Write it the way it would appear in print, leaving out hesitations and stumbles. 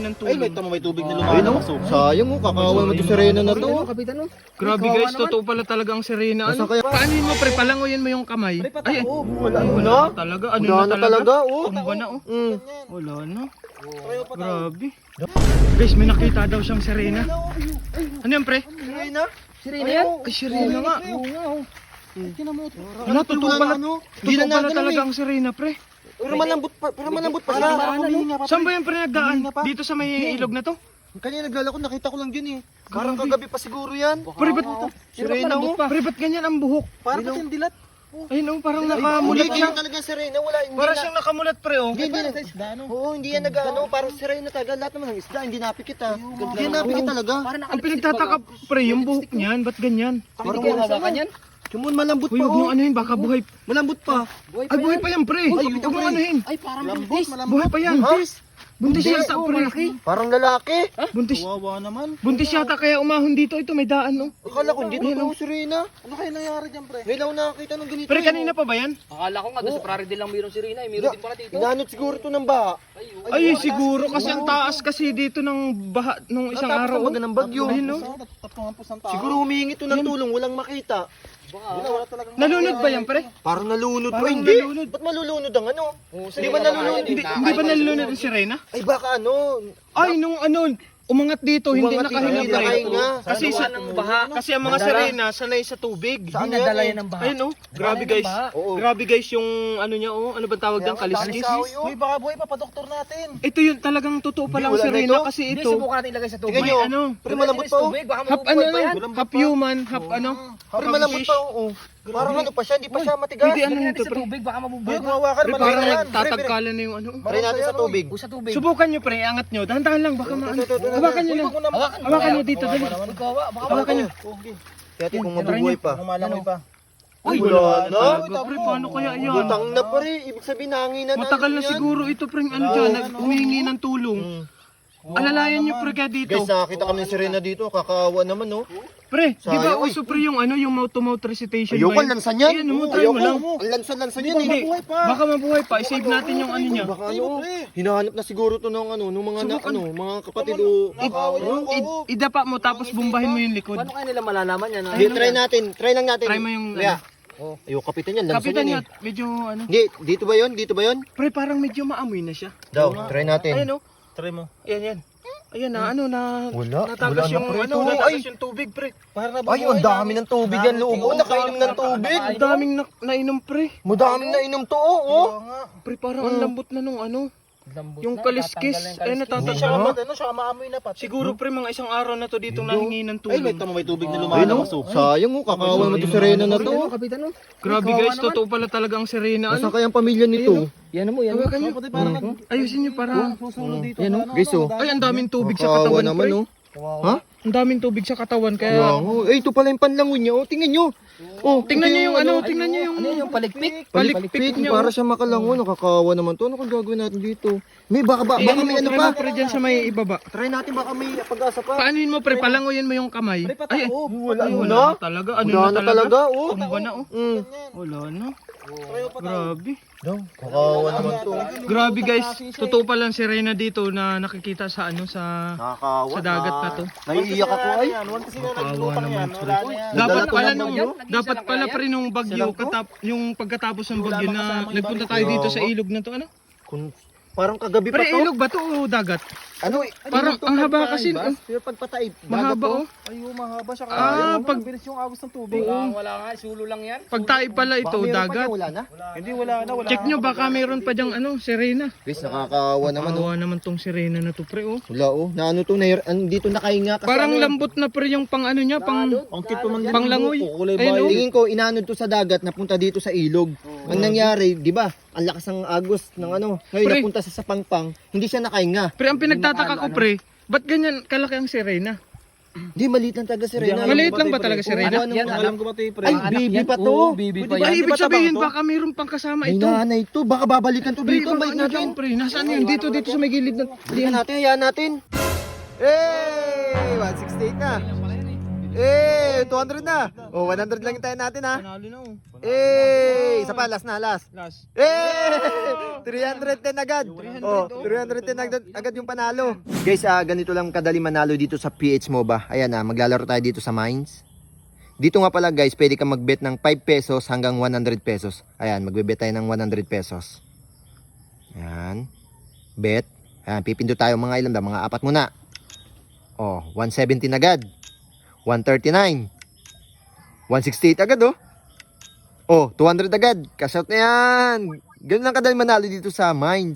ng Ay, may tulong. may tubig na Ay no, lumalabas. sayang mo, kakawa mo to sirena na to. Kapitan no. Grabe guys, totoo pala talaga ang sirena. Ano? Nasaan kaya? Paanin mo pre, palangoyin mo yung kamay. Ay, Wala wala na talaga. Ano Wala na na talaga, oh. Tumba na oh. Mm. Wala na. Grabe. Guys, may nakita daw siyang sirena. Ano yan pre? Sirena? Sirena yan? Ay, sirena nga. Ano, Ano, totoo pala. Hindi Totoo na pala natin talaga eh. ang sirena pre. Pero malambot pa siya. Saan ba yan pre nagdaan? Dito sa may ilog na to? Kanina naglalakad, nakita ko lang dyan eh. Parang kagabi pa siguro yan. Pre, ba't Sirena mo. Pre, ba't ganyan ang buhok? Parang ba't yung dilat? Ayun oh, parang Hindi, nakamulat siya. ganyan talaga sirena. Wala, hindi Parang na. siyang nakamulat pre oh. Hindi na. Oo, hindi yan nag-ano. Parang sirena talaga. Lahat naman ng isda, hindi napikit ah. Hindi yan napikit talaga. Ang pinagtataka pre, yung buhok niyan, ba't ganyan? Parang kaya hawakan yan. Sumun, malambot Uy, pa huwag mong oh. anuhin, baka buhay. Malambot pa. Ay, buhay pa yan pre. Huwag mong anuhin. Ay, parang buntis. Buhay pa yan. Buntis yata pre. Parang lalaki. Buntis. Wawa naman. Buntis yata kaya umahon dito. Ito may daan oh. Akala ko hindi totoo sirena. Ano kaya nangyari dyan, pre? Ngayon ako nakakita ng ganito. Pre, eh. kanina pa ba yan? Akala ko nga doon sa Praridel lang mayroong sirena. Mayroon din pala dito. Inanot siguro to ng baha. Ay, siguro kasi ang taas kasi dito ng baha nung isang Tapos araw. ang baga ng bagyo. Ayun oh. Tatlong ng tao. Siguro humihingi to ng tulong, walang makita. Wala talagang... Nalunod ba yan pre? Parang nalunod pa. Parang Hindi. nalunod. Ba't malulunod ang ano? Hindi ba nalunod? Hindi ba nalunod ang sirena? Ay baka ano? Ay, nung ano, umangat dito, hindi Umangat nakahinga hindi pre. nakahinga. Kasi sa kasi ang mga sirena sanay sa tubig. Saan Hindi nadala yan yan ng baha. Ayun oh, grabe guys. Oo. Grabe guys yung ano niya oh, ano ba tawag ng kaliskis? Uy, baka buhay pa, pa-doktor natin. Ito yun talagang totoo pa lang Wala na sirena ito. kasi Hindi, ito. subukan natin ilagay sa tubig. Tingnan nyo. May ano, Pero malambot pa oh. half ano, half human, half ano. Pero malambot pa oh. Parang ano pa siya, hindi pa siya matigas. Pwede ano Ilagay nito natin sa pre. tubig, baka Buhay, mabubuhay. kawawa ka Pre, naman. parang Yan. nagtatagkalan na yung ano. Try natin sa tubig. O sa tubig. Subukan nyo pre, angat nyo. Dahan-dahan lang, baka maano. Hawakan nyo lang. Hawakan nyo dito, dali. Kawa, baka Hawakan nyo. Kaya kung mabubuhay pa. Kung malangoy pa. Uy, wala na. Talaga, pre, paano kaya yan? Butang na pa rin. Ibig sabihin nanginan Matagal na siguro ito pre, ano dyan, humihingi ng tulong. Alalayan nyo pre kaya dito. Guys, nakakita kami ni Serena dito. Kakaawa naman no. Pre, di ba Sayang, uy. uso pre yung ano, yung mouth-to-mouth recitation Ayoko, ba yun? lansan yan. Ayan, mo, try mo lang. Ang lansan-lansan yan Hindi, eh. baka mabuhay pa. I-save natin yung ano niya. Baka ano, hinahanap na siguro to ng ano, nung mga mga kapatid o. Idapa mo tapos bumbahin mo yung likod. Paano kaya nila malalaman yan? Hindi, try natin. Try lang natin. Try mo yung Kaya. Oh, ayo kapitan yan, lansan Kapitan yan niya, eh. medyo ano. Hindi, dito ba 'yon? Dito ba 'yon? Pre, parang medyo maamoy na siya. Daw, try natin. Ayan o. Try mo. Ayan, yan. Ayan na, ano na. Wala, Natagas wala na, yung, pre, ano, ito. natagas Ay. yung tubig, pre. Para Ay, ang dami ng tubig yan loob. Oh, nakainom ng tubig. Ang daming nainom, pre. Madaming nainom to, oh. Pre, parang ang lambot na nung ano. Yung kaliskis, ay Hindi natatas. siya ano, siya maamoy na pa. Siguro, pre, mga isang araw na to dito nahingi ng Ay, may tulong. may tubig na Ay, no. lumalabas oh. Sayang, oh. Kakawa mo to Serena na to. Kapitan no. Grabe guys, totoo pala talaga ang sirena. Nasaan Ano? kaya ang pamilya nito? Yan mo, yan mo. Hawakan nyo. Pati parang Ayusin nyo para. susunod dito. Yan, oh. Guys, oh. Ay, ang daming tubig sa Kakawa katawan, naman, pre. oh. Ha? Ang daming tubig sa katawan, Kaya, kaya... oh. Eh, ito pala yung panlangon niya, oh. Tingnan nyo. Oh, Tingnan nyo yung ano, tingnan nyo yung... Ano yung palikpik? Palikpik niya. Para siya makalangon, nakakawa naman to. Ano kung gagawin natin dito? May baka may ano Try pa? mo, pre, dyan sa may ibaba. Try natin baka may pag-asa pa. Paanuin mo, pre, palangoyin mo yung kamay. Ay, Wala ay, na. wala na talaga. Ano Wala na na talaga, oh. Tumba na, oh. Mm. Wala na. Grabe. Kakawa naman to. Grabe guys, totoo pa lang si Reyna dito na nakikita sa ano sa Nakakawa. sa dagat na to. Naiiyak ako ay. Kawawa naman pre. Dapat Nagdala pala to ng nung bagyo? dapat pala pre nung bagyo yung pagkatapos ng bagyo na nagpunta tayo dito sa ilog na to ano? Parang kagabi pa Pre, to. ilog ba to o dagat? Ano? Parang ang haba kasi Pero pagpataib. mahaba oh. Ay, mahaba siya. Pag bilis yung agos ng tubig. Wala nga, sulo lang yan. pagtaib pala ito dagat. Wala na. Hindi, wala na. Check nyo baka mayroon pa diyang ano, sirena. Guys, nakakawa naman oh. Kawawa naman tong sirena na to pre oh. Wala oh. Na ano to, dito nakahinga kasi Parang ano, lambot na pre yung pang ano niya, pang Ang cute pa man. panglangoy. Kulay Ayun, oh. Tingin ko, inanod to sa dagat, napunta dito sa ilog. Ang nangyari, di ba? Ang lakas ng agos ng ano. Ngayon, Pre. napunta sa Pangpang, hindi siya nakahinga. Pre, ang pinagtataka ko pre, ba't ganyan kalaki ang sirena? Hindi, maliit lang talaga si Reyna. Maliit lang ba talaga si Reyna? Yan, Alam ko ba ito, pre? Ay, baby pa to. Bibi pa Ay, yan. ibig ba tabang sabihin to? baka mayroon pang kasama May ito. nanay to. Baka babalikan to Pre, dito. baka Balik ano dyan, natin. pre? Nasaan yun? Dito sa may gilid na. Tingnan natin, hayaan natin. Hey! 168 na. Eh, 200 na. Oh, 100 lang yung tayo natin ha. Panalo na oh. Eh, isa pa, last na, last. Last. Eh, 310 agad. Oh, 310 agad yung panalo. Guys, ganito lang kadali manalo dito sa PH MOBA. Ayan maglalaro tayo dito sa mines. Dito nga pala guys, pwede kang mag-bet ng 5 pesos hanggang 100 pesos. Ayan, magbe-bet tayo ng 100 pesos. Ayan. Bet. Ayan, pipindot tayo mga ilan ba? Mga 4 muna. Oh, 117 agad. 139. 168 agad oh. Oh, 200 agad. Cash out na yan. Ganun lang kadali manalo dito sa mines.